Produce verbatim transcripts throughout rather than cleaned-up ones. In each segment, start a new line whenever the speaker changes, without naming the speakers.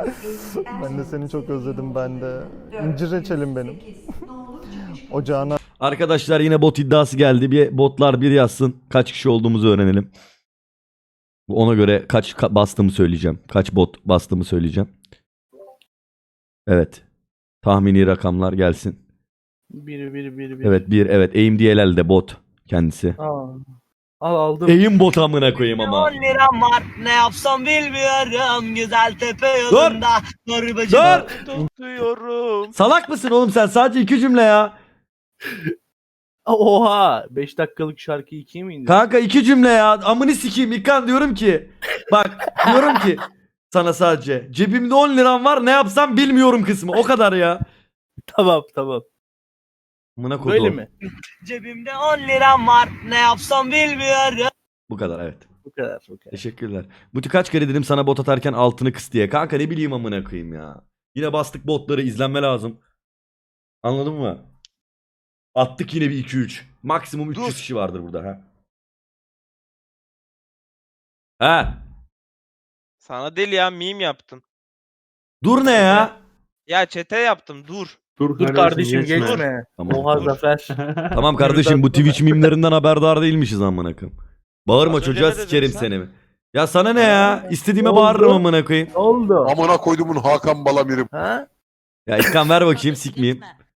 Ben de seni çok özledim ben de. İncir reçelim benim. Ocağına
Arkadaşlar yine bot iddiası geldi. Bir botlar bir yazsın. Kaç kişi olduğumuzu öğrenelim. Ona göre kaç ka- bastığımı söyleyeceğim. Kaç bot bastığımı söyleyeceğim. Evet. Tahmini rakamlar gelsin.
Bir bir bir bir.
Evet bir evet A M D L L'de bot kendisi.
Aa. Al aldım.
Eğim bot amına koyayım ama.
on liram var ne yapsam bilmiyorum güzel tepe
Dur!
yolunda Torbacı
Dur!
tutuyorum.
Salak mısın oğlum sen? Sadece iki cümle ya.
Oha! beş dakikalık şarkıyı ikiye mi indirdin?
Kanka iki cümle ya. Amını sikeyim İlkan diyorum ki. Bak diyorum ki sana sadece. Cebimde on liram var ne yapsam bilmiyorum kısmı. O kadar ya.
Tamam tamam.
Amına koyduğum.
Böyle mi?
Cebimde on liram var ne yapsam bilmiyorum.
Bu kadar evet.
Bu kadar. Bu kadar.
Teşekkürler. Buti kaç kere dedim sana bot atarken altını kıs diye. Kanka ne bileyim amına koyayım ya. Yine bastık botları izlenme lazım. Anladın mı? Attık yine bir iki üç. Maksimum üç yüz
Dur.
kişi vardır burada ha. Ha.
Sana değil ya meme yaptım.
Dur ne ya?
Ya çete yaptım dur.
Dur,
Dur kardeşim geçme.
Tamam.
Oha Zafer.
Tamam kardeşim bu Twitch mimlerinden haberdar değilmişiz amına koyayım. Bağırma
Az önce
çocuğa
ne dedin
sikerim
sen?
seni mi? Ya sana ne ya? İstediğime
Ne oldu?
bağırırım amına koyayım.
Ne oldu?
Amına koydumun Hakan Balamir'im.
Ha?
Ya İlkan ver bakayım sikmeyeyim.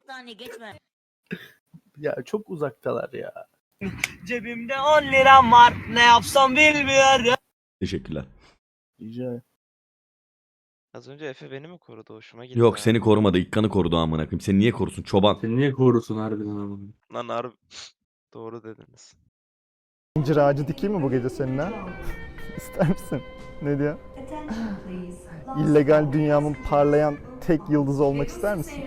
Ya çok uzaktalar ya.
Cebimde on liram var ne yapsam bilmiyorum.
Teşekkürler.
Rica.
Az önce Efe beni mi korudu? Hoşuma gitti.
Yok
ha.
seni korumadı. İlkan'ı korudu amına koyayım. Seni niye korusun çoban?
Sen niye korusun harbiden ama?
Lan harbi. Doğru dediniz.
incir ağacı dikeyim mi bu gece seninle? İster misin? Ne diyor? İllegal dünyamın parlayan tek yıldız olmak ister misin?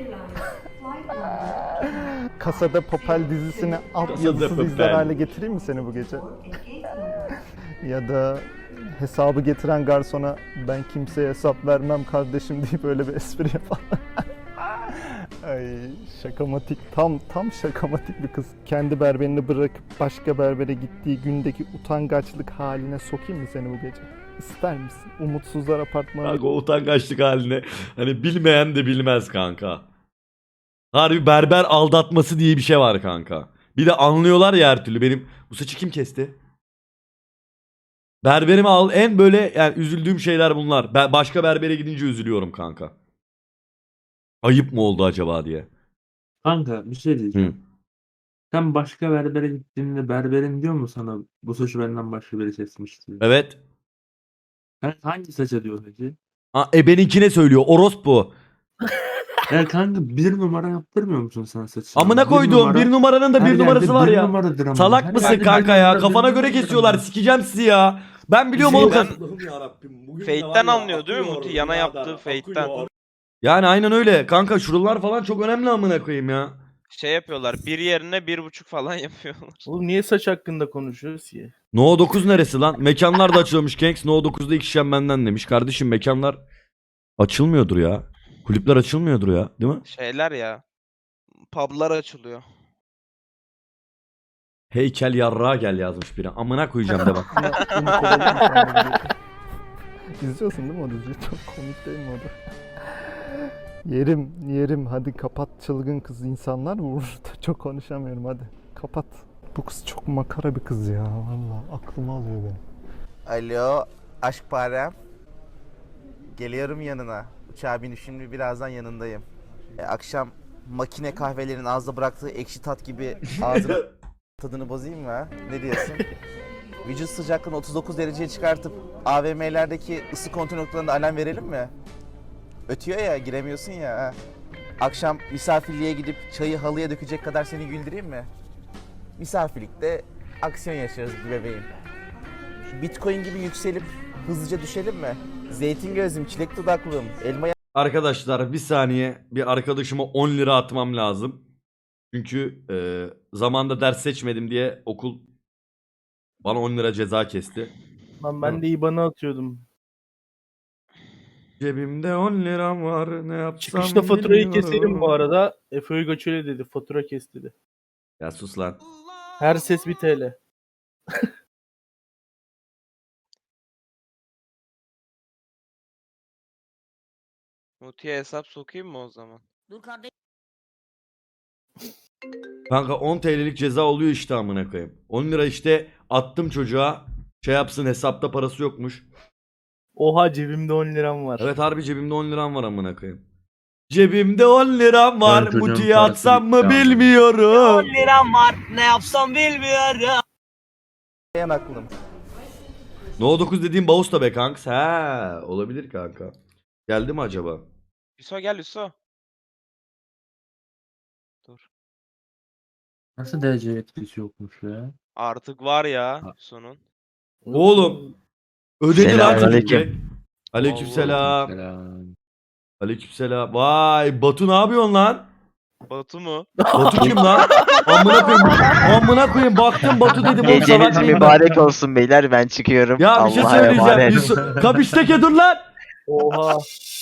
Kasada Papel dizisini alt
Casa de
yazısız izler
Papel.
hale getireyim mi seni bu gece? Ya da hesabı getiren garsona ben kimseye hesap vermem kardeşim deyip öyle bir espri yapalım. Ay şakamatik, tam tam şakamatik bir kız. Kendi berberini bırakıp başka berbere gittiği gündeki utangaçlık haline sokayım mı seni bu gece? İster misin? Umutsuzlar apartmanı.
Kanka o utangaçlık haline. Hani bilmeyen de bilmez kanka. Harbi berber aldatması diye bir şey var kanka. Bir de anlıyorlar ya her türlü. Benim bu saçı kim kesti? Berberimi al. En böyle yani üzüldüğüm şeyler bunlar. Ben başka berbere gidince üzülüyorum kanka. Ayıp mı oldu acaba diye.
Kanka bir şey
Hı.
diyeceğim. Sen başka berbere gittiğinde berberin diyor mu sana bu saçı benden başka biri kesmiş diyor.
Evet.
Sen hangi saça diyor peki?
Ha, ebeninkine söylüyor. Orospu.
Ya kanka bir numara yaptırmıyor musun sen saçını?
Amına koyduğum bir numaranın da
her
bir
yerde
numarası var
bir
ya.
numaradır ama.
Salak
Her
mısın
yerde bir
kanka ya?
numara, bir
Kafana göre
numaradır
kesiyorlar.
ama.
Sikeceğim sizi ya. Ben biliyorum oğlum.
Şeyden-
Allah'ım yarabbim. Bugün de
Fate'ten
var ya,
anlıyor değil mi
akıyor
Muti? Yana
birader,
yaptığı
akıyor.
Fate'ten.
Yani aynen öyle. Kanka şuralar falan çok önemli amına koyayım ya.
Şey yapıyorlar. Bir yerine bir buçuk falan yapıyorlar.
Oğlum niye saç hakkında konuşuyoruz ki?
No dokuz neresi lan? Mekanlar da açılmış Kenks. No dokuzda iki şişem benden demiş. Kardeşim mekanlar açılmıyordur ya. Kulüpler açılmıyordur ya. Değil mi?
Şeyler ya. Publar açılıyor.
Heykel yarrağa gel yazmış biri. Amına koyacağım de bak.
Beni kovalıyor mu sen bu gece? İzliyorsun değil mi o diziyi? Çok komik değil mi o da? Yerim, yerim. Hadi kapat çılgın kız, insanlar vurur. Çok konuşamıyorum hadi. Kapat. Bu kız çok makara bir kız ya. Vallahi aklımı alıyor beni.
Alo, aşk parem. Geliyorum yanına. Uçağa binip şimdi birazdan yanındayım. E, akşam makine kahvelerin ağızda bıraktığı ekşi tat gibi ağzının tadını bozayım mı ha? Ne diyorsun? Vücut sıcaklığını otuz dokuz dereceye çıkartıp A V M'lerdeki ısı kontrol noktalarında alarm verelim mi? Ötüyor ya, giremiyorsun ya. Ha. Akşam misafirliğe gidip çayı halıya dökecek kadar seni güldüreyim mi? Misafirlikte aksiyon yaşarız bir bebeğim. Bitcoin gibi yükselip hızlıca düşelim mi? Zeytin gözlüm, çilek dudaklım, elma
Arkadaşlar bir saniye bir arkadaşıma on lira atmam lazım. Çünkü e, zamanda ders seçmedim diye okul bana on lira ceza kesti.
Lan ben de IBAN'a atıyordum.
Cebimde on liram var ne yapsam
Çıkışta faturayı
bilmiyorum.
keselim bu arada. Efe Uygaç öyle dedi. Fatura kes dedi.
Ya sus lan.
Her ses bir T L.
Muti'ye hesap sokayım mı o zaman?
Dur kardeşim.
Kanka on T L'lik ceza oluyor işte amına koyayım. on lira işte attım çocuğa. Şey yapsın, hesapta parası yokmuş.
Oha cebimde on liram var.
Evet harbi cebimde on liram var amına koyayım. Cebimde on liram var.
Ben çocuğun
Muti'ye
parası
atsam mı
bitti amına.
bilmiyorum.
on liram var ne yapsam bilmiyorum.
Yan aklım.
No dokuz dediğim Bağus da be kanks. He olabilir kanka. Geldi mi acaba?
Hüso gel Hüso. Dur.
Nasıl D C etkisi yokmuş ya?
Artık var ya Hüso'nun.
Oğlum. Ödedi lan çocuk
Selamünaleyküm.
be. Aleykümselam.
Selam.
Aleykümselam. Vay Batu ne yapıyorsun lan?
Batu mu?
Batu kim lan? Amına koyayım. Amına koyayım baktım Batu dedim. o salak
Geceniz
mıyım ben?
mübarek olsun beyler, ben çıkıyorum.
Ya bir şey
Allah'a
söyleyeceğim.
emanet.
Yusuf, kapıştaki dur lan.
Oha.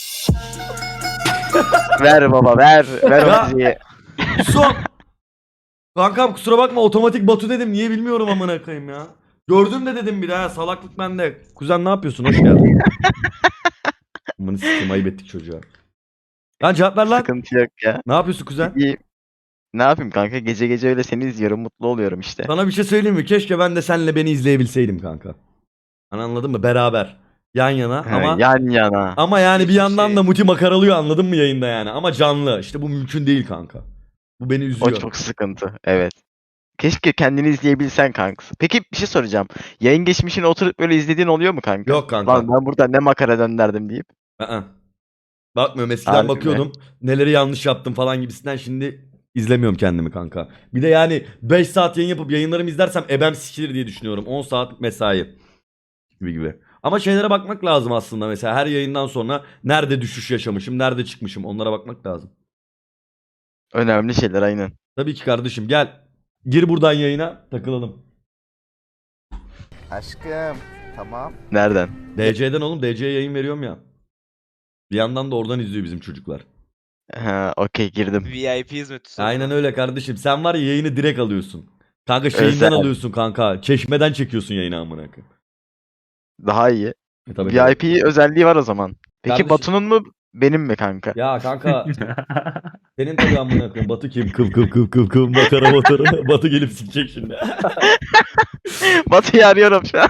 Ver baba ver. Ver
Ya.
o müziği.
Son. Kankam kusura bakma otomatik Batu dedim. Niye bilmiyorum amına koyayım ya. Gördüm de dedim bir daha salaklık bende. Kuzen ne yapıyorsun? Hoş geldin. Amına sikeyim ayıp ettik çocuğa. Lan cevap ver lan.
Sıkıntı yok ya.
Ne yapıyorsun kuzen?
İyi. Ne yapayım kanka? Gece gece öyle seni izliyorum. Mutlu oluyorum işte.
Sana bir şey söyleyeyim mi? Keşke ben de senle beni izleyebilseydim kanka. Hani anladın mı? Beraber. Yan yana
Ha,
ama
yan yana.
ama yani bir
Hiçbir
yandan
şey.
da Muti makaralıyor anladın mı yayında yani. Ama canlı. İşte bu mümkün değil kanka. Bu beni
O
üzüyor.
çok sıkıntı. Evet. Keşke kendini izleyebilsen kanka. Peki bir şey soracağım. Yayın geçmişini oturup böyle izlediğin oluyor mu kanka?
Yok kanka.
Lan ben burada ne makara dönderdim deyip.
Aa. Bakmıyorum eskiden
Harbi mi?
bakıyordum. Neleri yanlış yaptım falan gibisinden şimdi izlemiyorum kendimi kanka. Bir de yani beş saat yayın yapıp yayınlarımı izlersem ebem sikilir diye düşünüyorum. on saat mesai gibi gibi. Ama şeylere bakmak lazım aslında mesela her yayından sonra nerede düşüş yaşamışım, nerede çıkmışım onlara bakmak lazım.
Önemli şeyler aynen.
Tabii ki kardeşim gel. Gir buradan yayına takılalım.
Aşkım. Tamam.
Nereden?
D C'den oğlum D C'ye yayın veriyorum ya. Bir yandan da oradan izliyor bizim çocuklar.
Ha, okey girdim.
V I P hizmet Hüso.
Aynen öyle kardeşim. Sen var ya yayını direkt alıyorsun. Kanka şeyinden
Özel.
alıyorsun kanka. Çeşmeden çekiyorsun yayını amına koyayım.
Daha iyi.
E tabii
V I P özelliği var o zaman. Peki
Kardeşim-
Batu'nun mu benim mi kanka?
Ya kanka senin tabii amına koyayım. Batu kim? Kıv kıv kıv kıv kıv makara motoru. Batu gelip sikecek şimdi.
Batu'yu arıyorum şu an.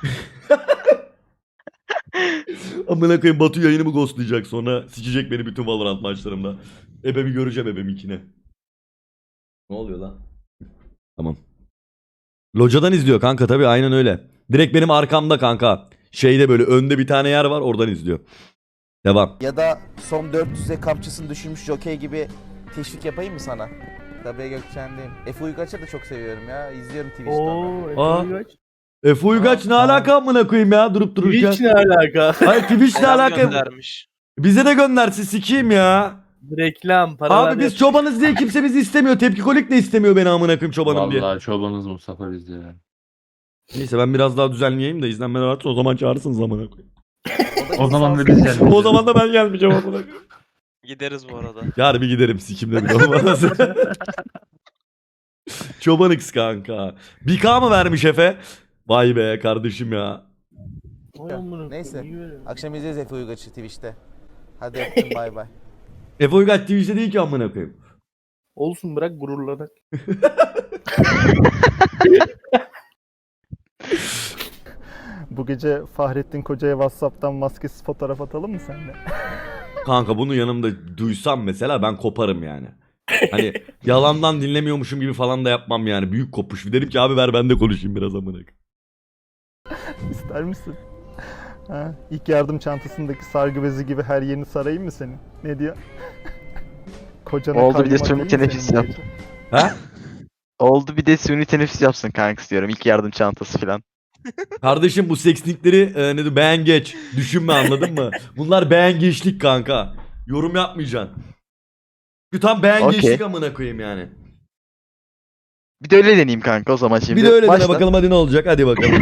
Amına koyayım Batu yayınımı ghostlayacak sonra sikecek beni bütün Valorant maçlarımda. Ebemi göreceğim ebeminkine. Ne oluyor lan? Tamam. Locadan izliyor kanka tabii aynen öyle. Direkt benim arkamda kanka. Şeyde böyle önde bir tane yer var oradan izliyor. Devam.
Ya da son dört yüze kamçısını düşürmüş jockey gibi teşvik yapayım mı sana? Tabii Gökçen'deyim. Efe Uygaç'ı da çok seviyorum ya. İzliyorum Twitch'te onu.
Oo, Efe
Aa.
Uygaç.
Efe Uygaç ne
Aa.
alaka amına koyayım ya durup dururken.
Twitch ne alaka?
Hayır Twitch ne
Selam
alaka?
göndermiş.
Bize de göndersin sikeyim ya.
Reklam, paralar.
Abi biz
yap-
çobanız diye kimse bizi istemiyor. Tepkikolik de istemiyor beni amına koyayım çobanım diye.
Vallahi çobanız Mustafa bizde ya.
Neyse ben biraz daha düzenleyeyim de izlenmeler artsın o zaman çağırırsınız amına koyayım.
da
O zaman da
insansız-
biz geldik.
O zaman da ben gelmeyeceğim amına koyayım.
Gideriz bu arada.
Yarın bir giderim sikimde bir olmaz. Çoban X kanka. bir K mı vermiş Efe? Vay be kardeşim ya.
Vay amına koyayım,
Neyse.
iyi böyle.
Akşam izleyeceğiz Efe Uygaç'ı Twitch'te. Hadi öptüm bay bay.
Efe Uygaç Twitch'te değil ki amına koyayım.
Olsun bırak gururlanak.
Bu gece Fahrettin Koca'ya WhatsApp'tan maskesiz fotoğraf atalım mı seninle?
Kanka bunu yanımda duysam mesela ben koparım yani. Hani yalandan dinlemiyormuşum gibi falan da yapmam yani. Büyük kopuş. Derim ki abi ver ben de konuşayım biraz amına koyayım.
İster misin? Ha, ilk yardım çantasındaki sargı bezi gibi her yerini sarayım mı senin? Ne diyor? Kocana
Oldu, bir de
kaymak
suni
değil mi
teneffüs
senin bu
yap.
gece?
Ha?
Oldu bir de suni teneffüs yapsın kanka istiyorum. İlk yardım çantası falan.
Kardeşim bu sekslikleri e, ne diyor beğen geç. Düşünme anladın mı? Bunlar beğen geçlik kanka. Yorum yapmayacaksın. Şu tam beğen
Okey.
geçlik amına koyayım yani.
Bir de öyle deneyeyim kanka o zaman şimdi.
Bir de öyle dene
Başla.
bakalım hadi ne olacak hadi bakalım.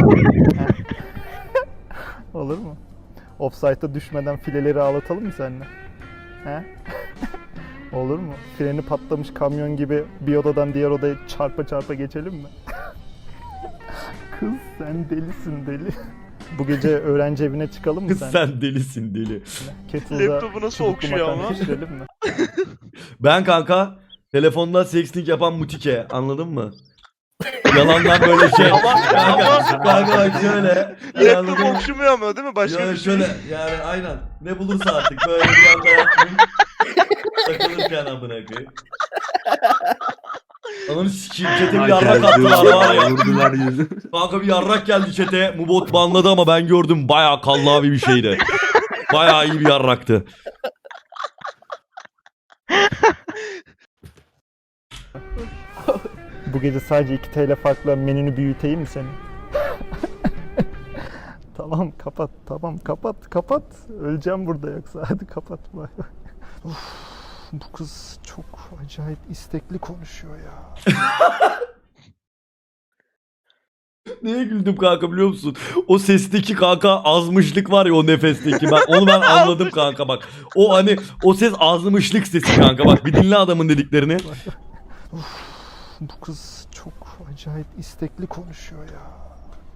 Olur mu? Offside'a düşmeden fileleri ağlatalım mı seninle? He? Olur mu? Freni patlamış kamyon gibi bir odadan diğer odaya çarpa çarpa geçelim mi? Kız sen delisin deli. Bu gece öğrenci evine çıkalım mı sen?
Sen delisin deli.
Kettle'da
Laptopu nasıl
çubuklu
okşuyor
makarna
ama?
pişirelim mi?
Ben kanka telefonda sexting yapan mutike, anladın mı? Yalandan böyle şey. kanka, kanka bak şöyle. Yani anladın
Laptop
mı?
okşumuyor ama değil mi? Başka
Yani
bir şey.
şöyle yani aynen. Ne bulursa artık böyle bir anda yapmayın. Takılırken amına koyayım. Ananı sikeyim, çete bir
Ay,
yarrak
geldi,
attılar var ya.
Vurdular yüzü.
Kanka bir yarrak geldi çete. Mubot banladı ama ben gördüm, bayağı kallavi bir şeydi. Bayağı iyi bir yarraktı.
Bu gece sadece iki T L farkla menünü büyüteyim mi senin? Tamam kapat, tamam kapat, kapat. Öleceğim burada yoksa. Hadi kapat. Bay bay. Uf, bu kız çok acayip istekli konuşuyor ya.
Neye güldüm kanka biliyor musun? O sesteki kanka azmışlık var ya, o nefesteki. Bak onu ben anladım kanka bak. O hani o ses azmışlık sesi kanka, bak bir dinle adamın dediklerini.
Uf, bu kız çok acayip istekli konuşuyor ya.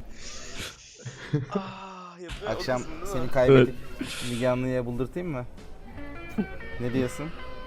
Ah, yapıyor
Akşam
odasını, değil
seni
mi?
kaybedip Müge Anlı'ya buldurtayım mı? Ne diyorsun?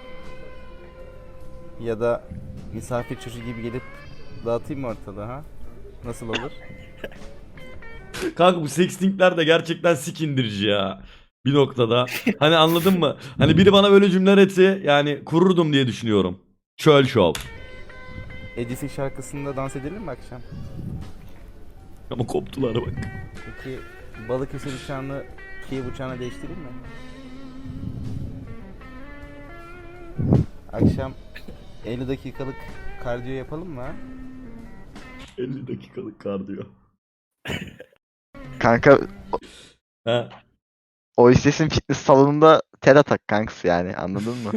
Ya da misafir çocuğu gibi gelip dağıtayım mı ortalığı ha? Nasıl olur?
Kanka bu sextingler de gerçekten sik indirici ya. Bir noktada. Hani anladın mı? Hani biri bana böyle cümleler etse yani kururdum diye düşünüyorum. Çöl şov.
Edis'in şarkısında dans edelim mi akşam?
Ama koptular bak.
Peki Balıkesir uçağını Kiev uçağına değiştireyim mi? Akşam elli dakikalık kardiyo yapalım mı ha?
elli dakikalık kardiyo.
Kanka
Ha.
o istesin fitness salonunda ter atak kanks yani, anladın mı?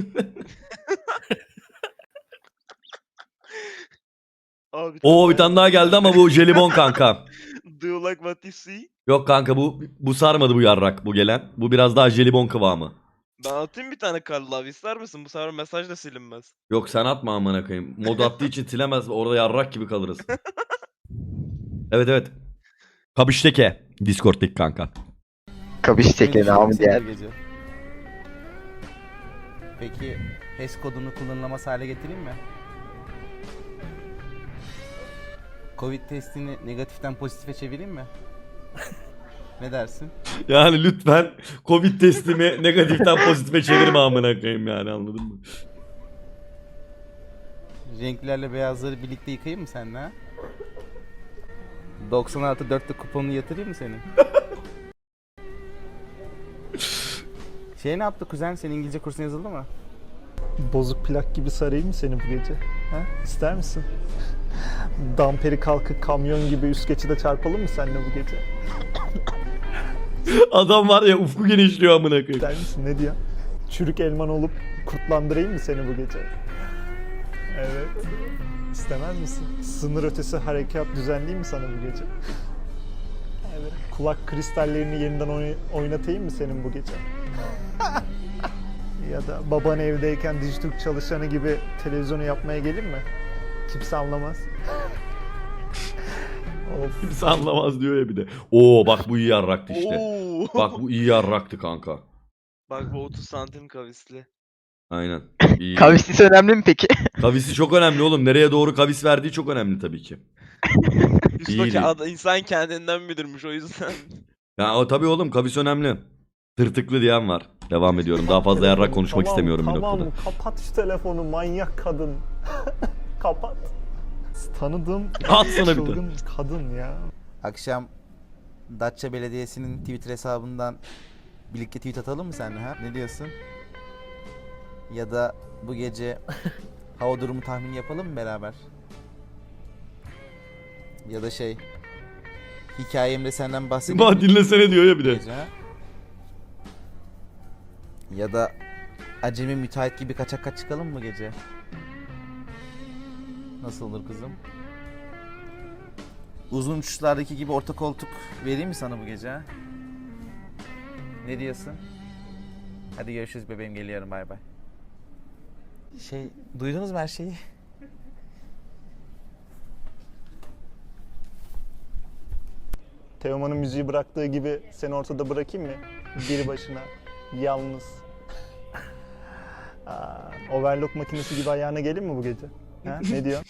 Abi,
Oo bir tane daha geldi ama bu jelibon kanka.
Do you like what you see?
Yok kanka bu bu sarmadı bu yarrak, bu gelen. Bu biraz daha jelibon kıvamı.
Ben atayım bir tane Karl abi, ister misin? Bu sefer mesaj da silinmez.
Yok sen atma amına koyayım. Mod attığı için silemez, orada yarrak gibi kalırız. Evet evet. Kabişteke Discord'daki kanka.
Kabiş çeke
Ne
namı
düşünüyorsun
diğer.
bu gece? Peki H E S kodunu kullanılamaz hale getireyim mi? Covid testini negatiften pozitife çevireyim mi? Ne dersin?
Yani lütfen Covid testimi negatiften pozitife çevirme amına koyayım yani, anladın mı?
Renklerle beyazları birlikte yıkayayım mı seninle ha? doksan artı dörtte kuponunu yatırayım mı senin? Şey ne yaptı kuzen? Senin İngilizce kursuna yazıldı mı?
Bozuk plak gibi sarayım mı seni bu gece? Ha? İster misin? Damperi kalkıp kamyon gibi üst geçide çarpalım mı seninle bu gece?
Adam var ya, ufku genişliyor amına koyayım.
İster misin? Ne diyor? Çürük elman olup kurtlandırayım mı seni bu gece? Evet. İstemez misin? Sınır ötesi harekat düzenleyeyim mi sana bu gece? Evet. Kulak kristallerini yeniden oy- oynatayım mı senin bu gece? Ya da baban evdeyken Dijitürk çalışanı gibi televizyonu yapmaya gelin mi? Kimse anlamaz. Of.
Kimse anlamaz diyor ya bir de. Oo bak bu iyi yarraktı işte.
Oo.
Bak bu iyi yarraktı kanka.
Bak bu otuz santim kavisli.
Aynen. İyi.
Kavislisi önemli mi peki?
Kavisi çok önemli oğlum. Nereye doğru kavis verdiği çok önemli tabii ki.
Üstü
İyiydi.
ad- insan kendinden bilirmiş o yüzden.
Ya o tabii oğlum, kavis önemli. Tırtıklı diyen var. Devam ediyorum. Daha fazla yarrak konuşmak
Tamam,
istemiyorum bir
tamam,
noktada.
kapat şu telefonu manyak kadın. Kapat. Tanıdığım
At sana bir de.
çılgın kadın ya.
Akşam Datça Belediyesi'nin Twitter hesabından birlikte tweet atalım mı seninle ha? Ne diyorsun? Ya da bu gece hava durumu tahmini yapalım mı beraber? Ya da şey hikayemde senden bahsedeyim
Bak
mi
dinlesene diyor ya bir
bu
de.
gece ha? Ya da acemi müteahhit gibi kaçak kaç çıkalım mı gece? Nasıl olur kızım? Uzun uçuşlardaki gibi orta koltuk vereyim mi sana bu gece ha? Ne diyorsun? Hadi görüşürüz bebeğim, geliyorum, bay bay. Şey, duydunuz mu her şeyi?
Teoman'ın müziği bıraktığı gibi seni ortada bırakayım mı? Bir başına, yalnız. Aa, overlock makinesi gibi ayağına gelin mi bu gece? Ha? Ne diyorsun?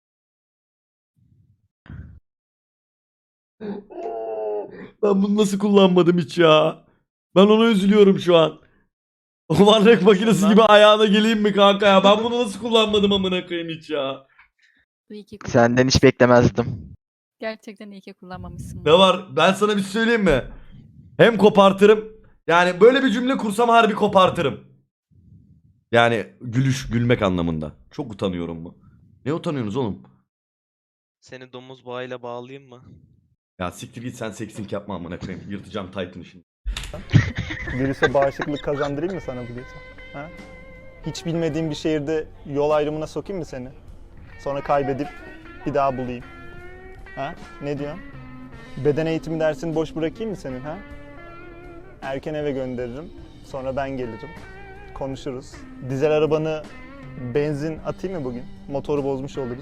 Ben bunu nasıl kullanmadım hiç ya? Ben ona üzülüyorum şu an. O varlık makinesi gibi ayağına geleyim mi kanka ya? Ben bunu nasıl kullanmadım amına koyayım hiç ya?
İyi ki
Senden hiç beklemezdim.
Gerçekten iyi ki kullanmamışsın.
Ne var? Ben sana bir şey söyleyeyim mi? Hem kopartırım. Yani böyle bir cümle kursam harbi kopartırım. Yani gülüş, gülmek anlamında. Çok utanıyorum mu? Ne utanıyorsunuz oğlum?
Seni domuz bağıyla bağlayayım mı?
Ya siktir git sen seksink yapma amına koyayım. Yırtacağım Titan'ı şimdi.
Virüse bağışıklık kazandırayım mı sana bu gece? Ha? Hiç bilmediğim bir şehirde yol ayrımına sokayım mı seni? Sonra kaybedip bir daha bulayım. Ha? Ne diyorsun? Beden eğitimi dersini boş bırakayım mı senin ha? Erken eve gönderirim. Sonra ben gelirim. Konuşuruz. Dizel arabanı benzin atayım mı bugün? Motoru bozmuş oluruz.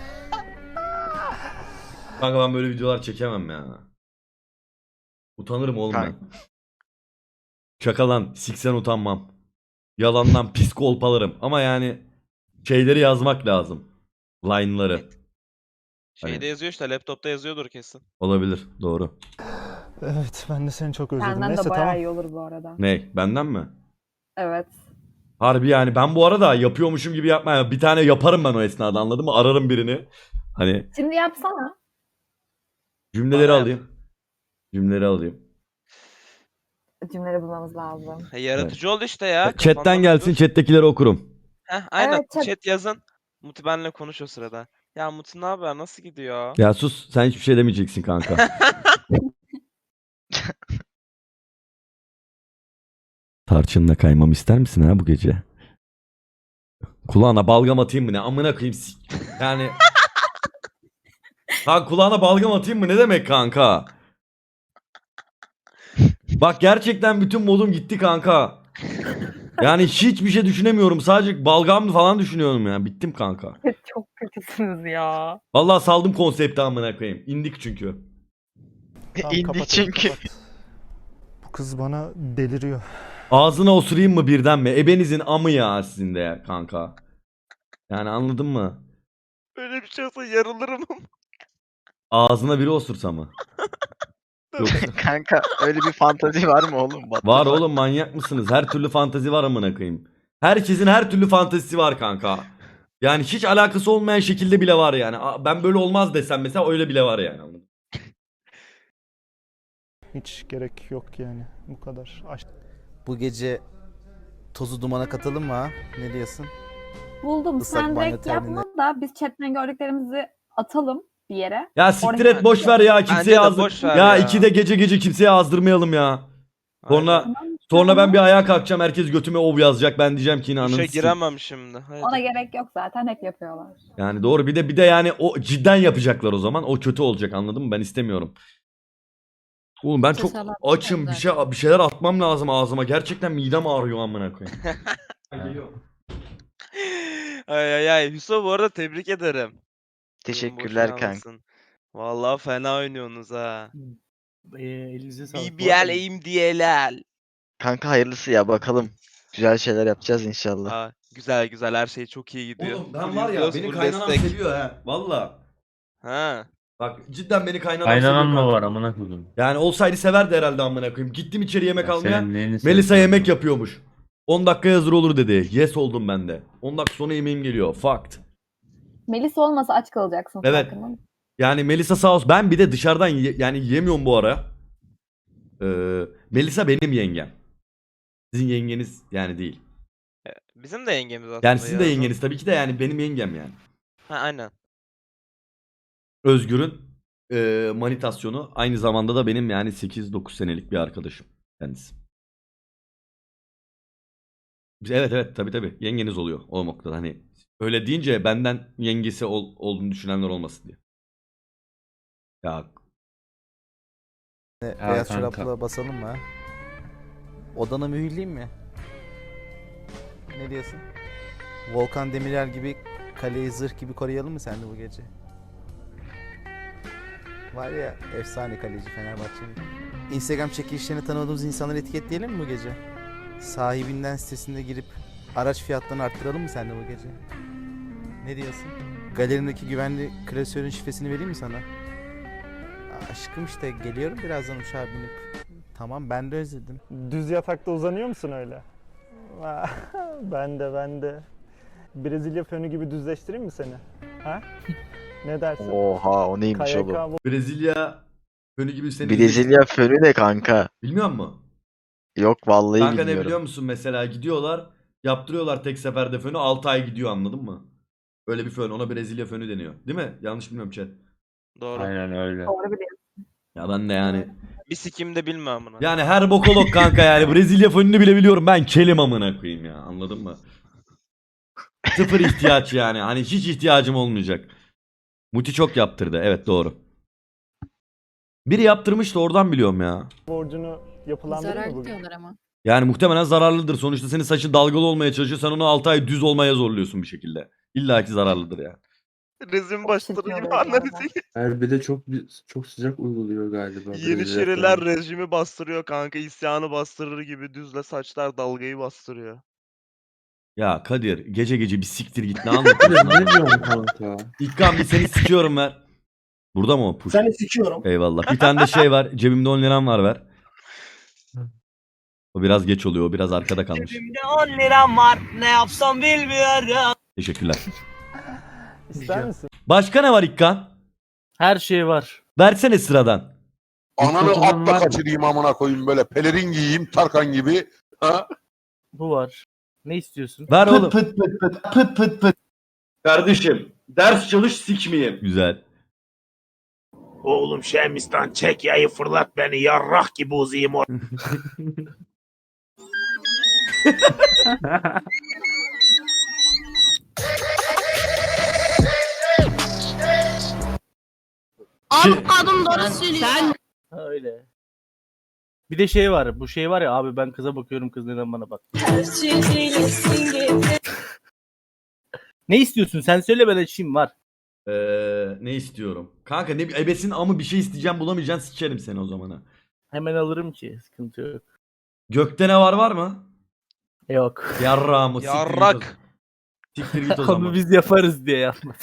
Kanka ben böyle videolar çekemem ya. Utanırım oğlum ben. Şakalan, siksen utanmam. Yalandan pis kolpalarım. Ama yani şeyleri yazmak lazım. Line'ları.
Şeyde
Hani-
yazıyor işte, laptopta yazıyordur kesin.
Olabilir, doğru.
Evet, ben de seni çok özledim.
Senden
Neyse
de bayağı
tamam.
iyi olur bu arada.
Ne? Benden mi?
Evet.
Harbi yani ben bu arada yapıyormuşum gibi yapmaya bir tane yaparım ben o esnada, anladın mı? Ararım birini. Hani
Şimdi yapsana.
cümleleri
Bana yap.
alayım. Cümleleri alayım.
Cümleleri bulmamız lazım.
Ha, yaratıcı ol işte ya.
Chat'ten
kafandan
gelsin,
dur.
chat'tekileri okurum.
Heh, aynen
Evet, chat-
chat yazın. Muti benle konuş o sırada. Ya Muti ne haber, nasıl gidiyor?
Ya sus, sen hiçbir şey demeyeceksin kanka. Tarçınla kaymam ister misin ha bu gece? Kulağına balgam atayım mı ne? Amına koyayım. sik- Yani ha kulağına balgam atayım mı ne demek kanka? Bak gerçekten bütün modum gitti kanka. Yani hiçbir şey düşünemiyorum. Sadece balgam falan düşünüyorum ya. Bittim kanka.
Çok kötüsünüz ya.
Vallahi saldım konsepti amına koyayım. İndik çünkü.
Tamam,
İndi
kapat hadi,
çünkü.
kapat. Bu kız bana deliriyor.
Ağzına osurayım mı birden mi? Ebenizin amı ya sizin de ya kanka. Yani anladın mı?
Öyle bir şey olsa yarılırım.
Ağzına biri osursa mı? Yoksa...
Kanka öyle bir fantazi var mı oğlum? What the
Var
fuck?
oğlum, manyak mısınız? Her türlü fantazi var amına koyayım. Herkesin her türlü fantezisi var kanka. Yani hiç alakası olmayan şekilde bile var yani. Aa, ben böyle olmaz desem mesela öyle bile var yani. Anladın mı?
Hiç gerek yok yani. Bu kadar. Aç.
Bu gece tozu dumana katalım mı ha? Ne diyorsun?
Buldum.
Islak
Sen
banyo
direkt
terliğine-
yapma da biz chatten gördüklerimizi atalım bir yere.
Ya siktir
Oraya-
et, boş ver ya, kimseye
Bence de
azdır.
boş ver
Ya,
ya.
ikide gece gece kimseye azdırmayalım ya. Sonra
Aynen.
Tamam,
sonra ben
tamam.
bir ayağa kalkacağım, herkes götüme ov yazacak. Ben diyeceğim ki yine
Duşa
ananı sikeyim.
giremem şimdi. Haydi.
Ona gerek yok zaten, hep yapıyorlar.
Yani doğru, bir de bir de yani o cidden yapacaklar o zaman. O kötü olacak, anladın mı? Ben istemiyorum. Oğlum ben çok
Cesaret
açım. Bir
zaten.
şey bir şeyler atmam lazım ağzıma. Gerçekten midem ağrıyor amına koyayım. Geliyor.
Ay ay ay. Hüso bu arada tebrik ederim. Kızın
Teşekkürler
boşuna
kanka.
almasın. Vallahi fena oynuyorsunuz ha.
Ee, elinize sağlık. Bu
B B L
arada-
aim D L L.
Kanka hayırlısı ya bakalım. Güzel şeyler yapacağız inşallah.
Aa, güzel güzel, her şey çok iyi gidiyor.
Oğlum ben
Full
var ya,
izliyoruz,
beni
full
kaynanam
destek.
seviyor ha. Valla.
Ha.
Bak cidden beni kaynanam
Kaynanan
seviyor.
mı
kanka.
var amına koydum?
Yani olsaydı severdi herhalde amına koyayım. Gittim içeri yemek
Ya
almaya.
senin neyini
Melisa
seviyorsun?
yemek yapıyormuş. on dakika hazır olur dedi. Yes oldum ben de. on dakika sonra yemeğim geliyor. Fucked.
Melis olmasa aç kalacaksın.
Evet.
farkında mısın?
Yani Melisa sağ olsun. Ben bir de dışarıdan ye- yani yemiyorum bu ara. Ee, Melisa benim yengem. Sizin yengeniz yani değil.
Bizim de yengemiz aslında.
Yani sizin de
Yağız'ın.
yengeniz tabii ki de, yani benim yengem yani.
Ha aynen.
Özgür'ün e, manitasyonu, aynı zamanda da benim yani sekiz dokuz senelik bir arkadaşım kendisi. Biz- Evet evet tabii tabii yengeniz oluyor o noktada, hani öyle deyince benden yengesi ol- olduğunu düşünenler olmasın diye. Ya
Ne,
Ya
beyaz
kanka.
çorapla basalım mı ha? Odana mühürleyeyim mi? Ne diyorsun? Volkan Demirel gibi kaleyi zırh gibi koruyalım mı sen de bu gece? Var ya efsane kaleci Fenerbahçe'nin. Instagram çekilişlerine tanımadığımız insanları etiketleyelim mi bu gece? Sahibinden sitesinde girip araç fiyatlarını arttıralım mı sen de bu gece? Ne diyorsun? Galerimdeki güvenli klasörün şifresini vereyim mi sana? Aşkım işte geliyorum birazdan uçağa binip. Tamam ben de özledim.
Düz yatakta uzanıyor musun öyle? Ben de ben de. Brezilya fönü gibi düzleştireyim mi seni? Ha? Ne dersin?
Oha o neymiş
K Y
oğlum?
K bu-
Brezilya fönü gibi seni...
Brezilya fönü ne kanka?
Bilmiyor musun?
Yok vallahi
Kanka ne
bilmiyorum.
biliyor musun mesela gidiyorlar yaptırıyorlar tek seferde fönü altı ay gidiyor anladın mı? Öyle bir fön ona Brezilya fönü deniyor. Değil mi? Yanlış bilmiyorum chat.
Doğru.
Aynen öyle.
Doğru biliyorsun.
Ya ben de yani.
Bir sikim de bilme amına.
Yani her bokolog kanka yani Brezilya fönünü bile biliyorum ben kelim amına koyayım ya anladın mı? Sıfır ihtiyaç yani hani hiç ihtiyacım olmayacak. Muti çok yaptırdı evet doğru. Biri yaptırmıştı oradan biliyorum ya.
borcunu yapılandırır
Zarar
mı bugün?
diyorlar ama.
Yani muhtemelen zararlıdır. Sonuçta senin saçın dalgalı olmaya çalışıyor. Sen onu altı ay düz olmaya zorluyorsun bir şekilde. İlla ki zararlıdır yani.
Rezin
başları gibi anladın.
Erbi'de çok çok sıcak uyguluyor galiba.
Yeni
Brezilya
şireler
fönü.
rejimi bastırıyor kanka. İsyanı bastırır gibi düzle saçlar dalgayı bastırıyor.
Ya Kadir gece gece bir siktir git ne
Kadir,
anlatıyorsun?
ne
lan?
diyorsun kanka?
İlkan bir seni sikiyorum ver. Burada mı o push?
Seni sikiyorum.
Eyvallah. Bir tane de şey var. Cebimde on liram var ver. O biraz geç oluyor. O biraz arkada kalmış.
Cebimde on liram var. Ne yapsam bilmiyorum.
Teşekkürler.
İster misin?
Başka ne var İlkan?
Her şey var.
Versene sıradan.
Ananı
Fotoğraf var
atla
mı?
kaçırayım amına koyayım böyle pelerin giyeyim Tarkan gibi. Ha?
Bu var. Ne istiyorsun?
Ver oğlum.
Pıt pıt pıt pıt pıt pıt. Kardeşim ders çalış sikmeyeyim.
Güzel.
Oğlum Şemistan çek yayı fırlat beni yarrak gibi uzayım o.
Şey-
Kadın doğru söylüyor.
Ha, öyle. Bir de şey var. Bu şey var ya abi ben kıza bakıyorum kız neden bana bak. Ne istiyorsun? Sen söyle ben açayım var.
Ee, ne istiyorum? Kanka ne ebesin amı bir şey isteyeceğim bulamayacaksın sikerim seni o zamana.
Hemen alırım ki. Sıkıntı yok.
Gökte ne var var mı?
Yok.
Yarrağımı siktir git o-
Yarrak.
Siktir git o
Onu
zaman.
biz yaparız diye yapmadım.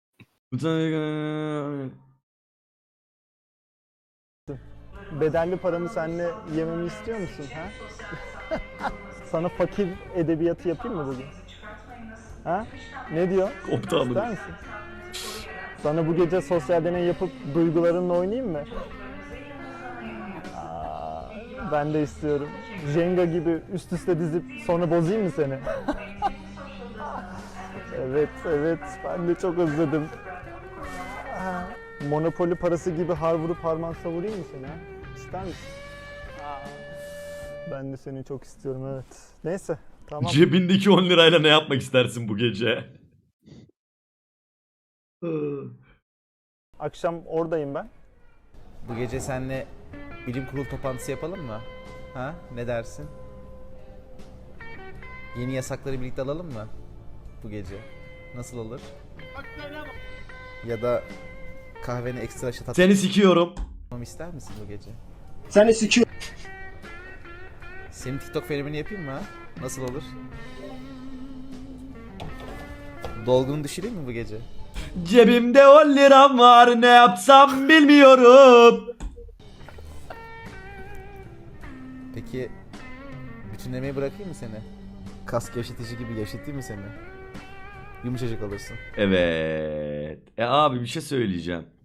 Bedelli paramı seninle yememi istiyor musun? Ha? Sana fakir edebiyatı yapayım mı bugün? Ha? Ne diyor?
Koptu amına.
İster misin? Sana bu gece sosyal deney yapıp duygularınla oynayayım mı? Aa, ben de istiyorum. Jenga gibi üst üste dizip sonra bozayım mı seni? Evet, evet. Ben de çok özledim. Aa, Monopoly parası gibi har vurup harman savurayım mı seni? Ha? İster misin? Aa, ben de seni çok istiyorum, evet. Neyse, tamam.
Cebindeki on lirayla ne yapmak istersin bu gece?
Akşam oradayım ben.
Bu gece seninle bilim kurulu toplantısı yapalım mı? Ha? Ne dersin? Yeni yasakları birlikte alalım mı? Bu gece. Nasıl olur? Ya da kahveni ekstra şat
Seni sikiyorum.
atmamı ister misin bu gece?
Seni sikiyorum.
Senin TikTok fenomeni yapayım mı ha? Nasıl olur? Dolgunu düşüreyim mi bu gece?
Cebimde on liram var ne yapsam bilmiyorum.
Peki bütünlemeyi bırakayım mı seni? Kas gevşetici gibi gevşeteyim mi seni? Yumuşacık olursun.
Evet. E abi bir şey söyleyeceğim.